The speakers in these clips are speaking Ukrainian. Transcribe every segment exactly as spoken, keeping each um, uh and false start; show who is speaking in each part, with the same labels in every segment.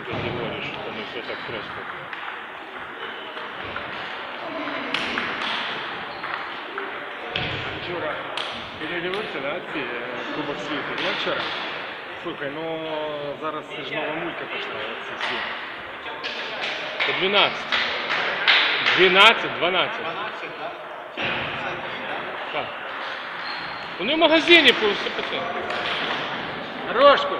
Speaker 1: категории, что не все так просто.
Speaker 2: Вчора передивився, да, ці е, Кубок світу. Я вчора. Слухай, ну зараз це ж нова мулька пішла. Ці всі.
Speaker 1: По двенадцать. двенадцать, двенадцать. Так. У него в магазине по все пацаны.
Speaker 2: Рожку!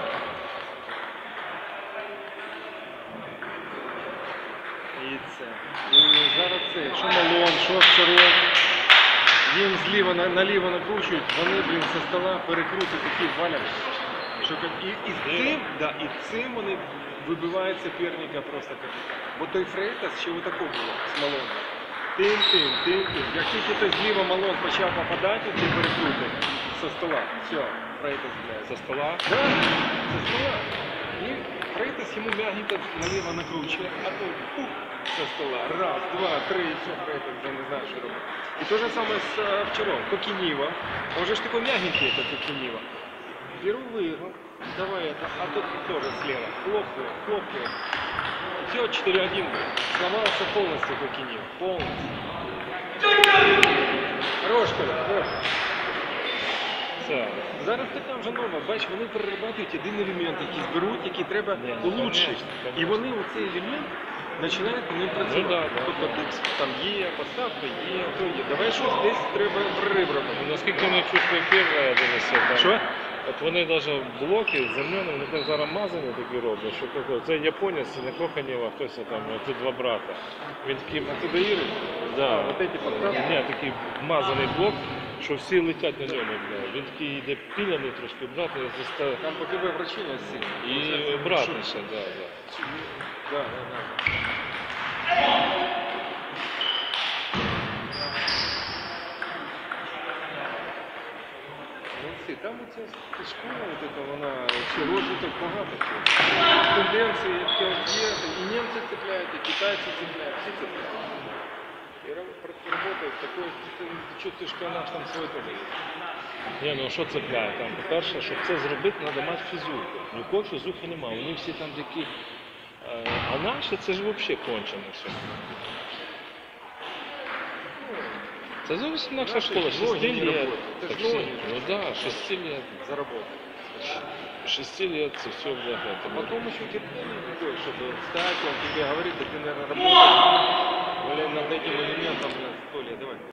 Speaker 2: І це. І зараз це. Що Малон, що Шарон. Їм зліва на, наліво накручують, вони, блін, зі стола перекрутять такі валять. Що, як- і, і, з цим, да, і цим вони вибивають суперника просто. Як. Бо той Фрейтас ще отако було з Малоном. Тим, тим, тим, тим. Як тільки той зліва Малон почав попадати, ці перекрути зі стола. Все, Фрейтас, блядь.
Speaker 1: Со стола.
Speaker 2: Да, зі стола. І Фрейтас йому м'ягенько наліво накручує, а той пух зі стола. Раз, два, три, і все, Фрейтас вже не знає, що робити. І те же самое с э, вчера. Кокинива. Он же ж такой мягенький, этот Кокинива. Беру, выиграл. Давай это. А тут тоже слева. Хлопаю, хлопаю. Все, четыре один. Сломался полностью Кокинива. Полностью. Хорош, Коля, хорош.
Speaker 1: Все.
Speaker 2: Зараз така вже нова. Бач, вони перерабатують один елемент, який зберуть, який треба
Speaker 1: Ні, ну,
Speaker 2: улучшити.
Speaker 1: конечно, конечно.
Speaker 2: І вони оцей елемент починають по ним працювати.
Speaker 1: Ну, да, да,
Speaker 2: тобто
Speaker 1: да.
Speaker 2: тут там є, поставка є, то є. Давай щось десь треба прорив робити.
Speaker 1: Ну, наскільки вони чувствують первое, я дивився, там.
Speaker 2: Що?
Speaker 1: От вони навіть блоки земляні, вони так зараз мазані такі роблять, що таке. Це японець, не Коханєва, хтось там, це два брата. Він такий,
Speaker 2: Антидоїри?
Speaker 1: да,
Speaker 2: вот эти подставки?
Speaker 1: ні, такий мазаний блок, що всі летять на ньому. Бля. Він такий йде піляний трошки, братний, застав.
Speaker 2: Там по тебе врачиня сильно.
Speaker 1: І братний ще, да, да.
Speaker 2: Да, да, да. Молодці, там оця школа, от эта, вона, ще розвиток багато чого. Тенденції, які от є, і німці цепляють, і китайці цепляють, всі цепляють. І працюють такою, ти чувствуєш, що наш там своє теж є.
Speaker 1: Ні, ну що цепляє? Там, по-перше, щоб це зробити, треба мати фізуху. Нікого фізухи немає, вони всі там такі. Е, А наші це ж взагалі кончено все. Це зовсім інакша
Speaker 2: Наші
Speaker 1: школа,
Speaker 2: ж ноги
Speaker 1: шести
Speaker 2: не
Speaker 1: лет.
Speaker 2: работають. Це ж
Speaker 1: Так всі-
Speaker 2: ноги.
Speaker 1: Ну да, шести лет.
Speaker 2: Заработать.
Speaker 1: Шести лет, це все, бля,
Speaker 2: А
Speaker 1: это.
Speaker 2: потом еще терпение такое, чтобы встать, он тебе говорит, да ты, наверное, работаешь, блин, над этим элементом, блин, сто лет, давай.